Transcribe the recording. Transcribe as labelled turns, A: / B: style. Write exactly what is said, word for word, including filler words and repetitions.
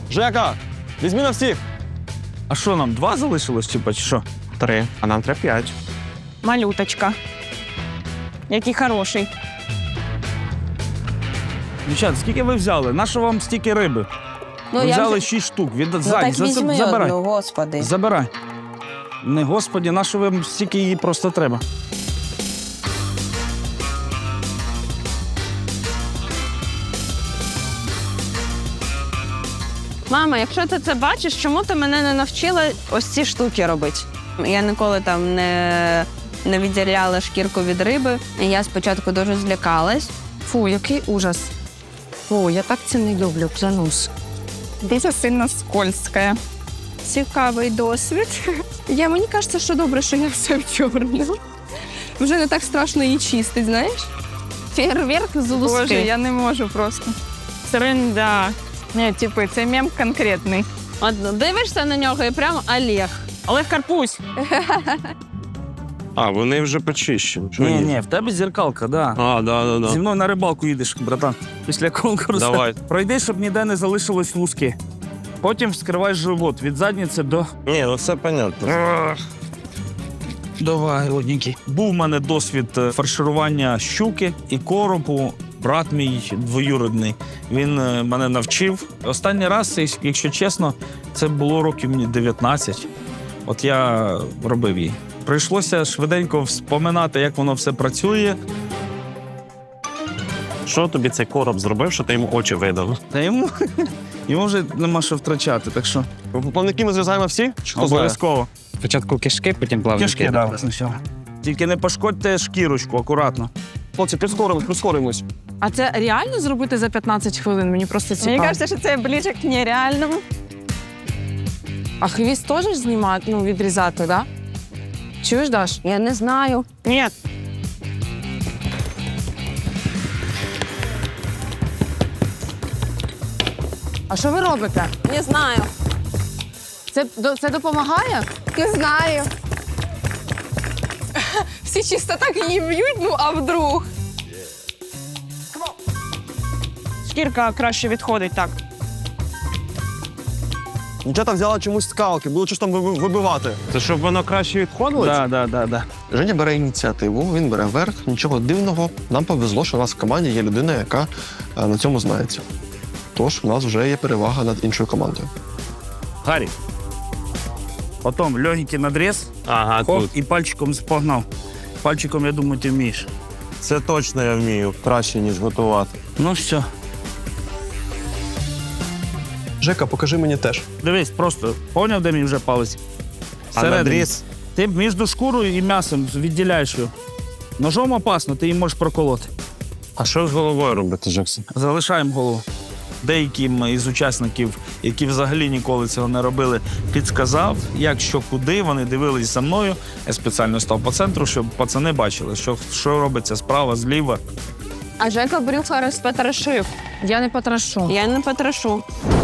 A: Жека, візьми на всіх.
B: А що нам, два залишилось, чи що?
A: Три, а нам треба п'ять.
C: Малюточка. Який хороший.
B: Дівчат, скільки ви взяли? Нащо вам стільки риби?
D: Ну,
B: ви
D: я
B: взяли
D: вже-
B: шість штук. Від...
D: Ну
B: Ззаді,
D: так
B: за-
D: візьми
B: забирай.
D: одну, господи.
B: Забирай. Не господі, нащо вам стільки її просто треба?
C: Мама, якщо ти це бачиш, чому ти мене не навчила ось ці штуки робити? Я ніколи там не, не відділяла шкірку від риби. І я спочатку дуже злякалась.
E: Фу, який ужас. Фу, я так це не люблю, клянусь.
F: Дуже сильно скользке. Цікавий досвід. Я, мені кажеться, що добре, що я все в чорному. Вже не так страшно її чистить, знаєш? Фейерверк з луски.
C: Боже, я
F: не можу просто.
C: Тринда.
F: Ні, типу, це мем конкретний.
C: От дивишся на нього і прямо Олег. Олег Карпусь.
A: А, вони вже почищені. Що
B: Ні,
A: ні?
B: ні, в тебе зеркалка, да.
A: А, да, да, да.
B: Зі мною на рибалку їдеш, братан. Після конкурсу.
A: Давай.
B: Пройди, щоб ніде не залишилось луски. Потім вскривай живот від задниці до...
A: Ні, ну все понятно.
B: Давай, родненький. Був в мене досвід е, фарширування щуки і коропу. Брат мій двоюрідний, він е, мене навчив. Останній раз, якщо чесно, це було років мені дев'ятнадцять. От я робив її. Прийшлося швиденько вспоминати, як воно все працює.
A: Що тобі цей короб зробив, що ти йому очі видав?
B: Та йому, йому вже нема що втрачати, так що
A: Плавники ми зв'язаємо всі? Чи хто знає?
B: обов'язково.
G: Спочатку кишки, потім плавники.
B: Кишки, да, спочатку. Тільки не пошкодьте шкірочку, акуратно.
A: Хлопці, прискоримось, прискоримось.
E: А це реально зробити за п'ятнадцять хвилин? Мені просто цікаво.
C: Мені кажеться, що це ближче к нереальному.
E: А хвіст теж знімати, ну, відрізати, так? Да? Чуєш, Даш?
C: Я не знаю. Ні.
E: А що ви робите?
C: Не знаю.
E: Це, до- це допомагає?
F: Не знаю. Всі чисто так її б'ють, ну а вдруг?
C: Шкірка краще відходить так.
A: Дівчата взяла чомусь скалки, було щось там ви- вибивати. Це щоб воно краще відходило?
B: Так, так, так, так.
H: Женя бере ініціативу, він бере верх, нічого дивного. Нам повезло, що у нас в команді є людина, яка е, на цьому знається. Тож у нас вже є перевага над іншою командою.
B: Гарі. Потім легенький надріз,
A: Ага,
B: хоп,
A: тут.
B: і пальчиком спогнав. Пальчиком, я думаю, ти вмієш.
A: Це точно я вмію. Краще, ніж готувати.
B: Ну все.
H: Жека, покажи мені теж.
B: Дивись, просто поняв, де мій вже палець?
A: А
B: Всередині.
A: надріз?
B: Ти між шкурою і м'ясом відділяєш його. Ножом опасно, ти її можеш проколоти.
A: А що з головою робити, Джексон?
B: Залишаємо голову. Деяким із учасників, які взагалі ніколи цього не робили, підсказав, як, що, куди. Вони дивились за мною. Я спеціально став по центру, щоб пацани бачили, що, що робиться справа, зліва.
C: А Жека брюха розпотрошив.
E: Я не потрашу.
C: Я не потрошу.